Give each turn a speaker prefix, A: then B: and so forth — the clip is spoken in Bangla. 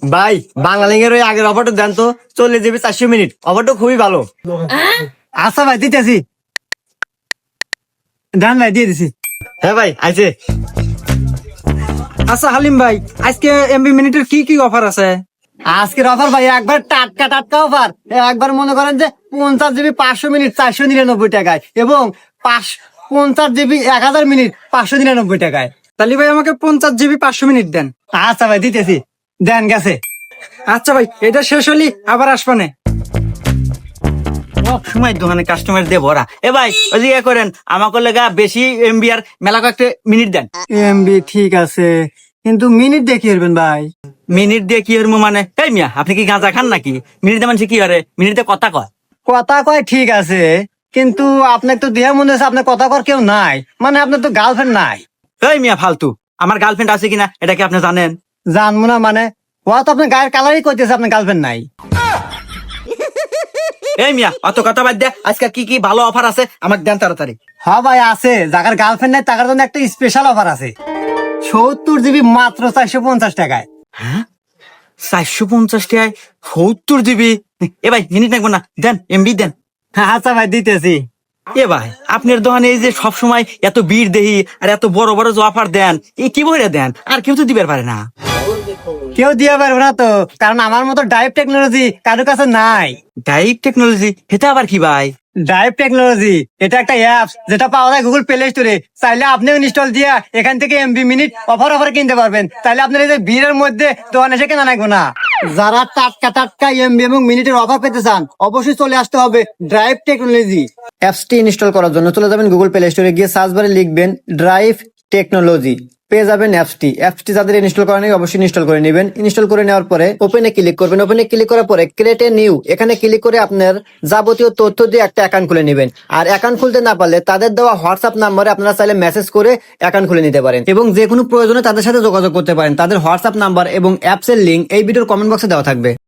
A: ভাই বাংলালিংকের ওই আগের অফারটা দেন তো, 40 GB 400 মিনিট, অফারটা খুবই ভালো।
B: আচ্ছা ভাই দিতেছি, ডান ভাই দিয়ে দিছি।
A: হ্যাঁ ভাই আইছে।
B: আচ্ছা হালিম ভাই, আজকে এমবি মিনিটের কি কি অফার আছে?
A: আজকের অফার ভাই একবার টাটকা টাটকা অফার। একবার মনে করেন যে 50 GB 500 মিনিট 499 টাকায়, এবং 50 GB 1000 মিনিট 599 টাকায়।
B: তাহলে ভাই আমাকে 50 GB 500 মিনিট দেন।
A: আচ্ছা ভাই দিতেছি, দেন গেছে।
B: আচ্ছা ভাই, এটা শেষ হলি আবার আসবানে।
C: সব সময় দোকানে কাস্টমার দিয়ে ভরা। এ ভাই ওই যে ইয়ে করেন, আমাকে লেগা বেশি এমবি আর মেলা কয়েকটা মিনিট দেন।
A: এমবি ঠিক আছে, কিন্তু মিনিট দেখি হবেন ভাই।
C: মিনিট দিয়ে কি হরমু মানে? এই মিয়া আপনি কি গাঁজা খান নাকি? মিনিট দিয়ে মানুষ কি হরে? মিনিট দিয়ে কথা কয়।
A: কথা কয় ঠিক আছে, কিন্তু আপনার তো দেহা মনে হচ্ছে আপনার কথা কর কেউ নাই, মানে আপনার তো গার্লফ্রেন্ড নাই।
C: এই মিয়া ফালতু, আমার গার্লফ্রেন্ড আছে কিনা এটা কি আপনি জানেন?
A: জানবো না মানে? ও তো আপনার গায়ের কালারই কইতেছে আপনার গার্লফ্রেন্ড নাই।
C: এই মিয়া অত কথা বাদ দে, আজকে কি কি ভালো অফার আছে আমাকে দেন তাড়াতাড়ি।
A: হ্যাঁ ভাই আছে, যার গার্লফ্রেন্ড নাই তার জন্য একটা স্পেশাল অফার আছে। 70 GB মাত্র 450 টাকায়।
C: 450 টাকায় 70 GB? এ ভাই মিনিট লাগবে না, দেন এমবি দেন।
A: আচ্ছা ভাই দিতেছি।
C: এ ভাই আপনার দোকানে এই যে সব সময় এত ভিড় দেহি আর এত বড় বড় যে অফার দেন, এই কি বইরা দেন? আর কেউ তো দিবার পারে না।
A: কেউ দিয়ে পারবে না তো, কারণ আমার মতো ডাইভ টেকনোলজি কারোর কাছে নাই।
C: ডাইভ টেকনোলজি এটা আবার কি ভাই?
A: ডাইভ টেকনোলজি এটা একটা অ্যাপস যেটা পাওয়া যায় গুগল প্লে স্টোরে। চাইলে আপনিও ইনস্টল দিয়া এখান থেকে এমবি মিনিট অফার কিনতে পারবেন। তাইলে আপনার এই যে ভিড়ের মধ্যে দোকানে এসে কেনা লাগবে না। যারা টাটকা টাটকা এমবি এবং মিনিটের অফার পেতে চান, অবশ্যই চলে আসতে হবে ড্রাইভ টেকনোলজি। অ্যাপসটি ইনস্টল করার জন্য চলে যাবেন গুগল প্লে স্টোরে, গিয়ে সার্চ বারে লিখবেন ড্রাইভ টেকনোলজি, পেয়ে যাবেন অ্যাপসটি যাদের ইনস্টল করা নেই অবশ্যই ইনস্টল করে নেবেন। ইনস্টল করে নেওয়ার পরে ওপেনে ক্লিক করবেন। ওপেনে ক্লিক করার পরে ক্রিয়েট এ নিউ, এখানে ক্লিক করে আপনার যাবতীয় তথ্য দিয়ে একটা অ্যাকাউন্ট খুলে নেবেন। আর অ্যাকাউন্ট খুলতে না পারলে তাদের দেওয়া হোয়াটসঅ্যাপ নাম্বারে আপনারা চাইলে মেসেজ করে অ্যাকাউন্ট খুলে নিতে পারেন, এবং যে কোনো প্রয়োজনে তাদের সাথে যোগাযোগ করতে পারেন। তাদের হোয়াটসঅ্যাপ নাম্বার এবং অ্যাপসের লিঙ্ক এই ভিডিওর কমেন্ট বক্সে দেওয়া থাকবে।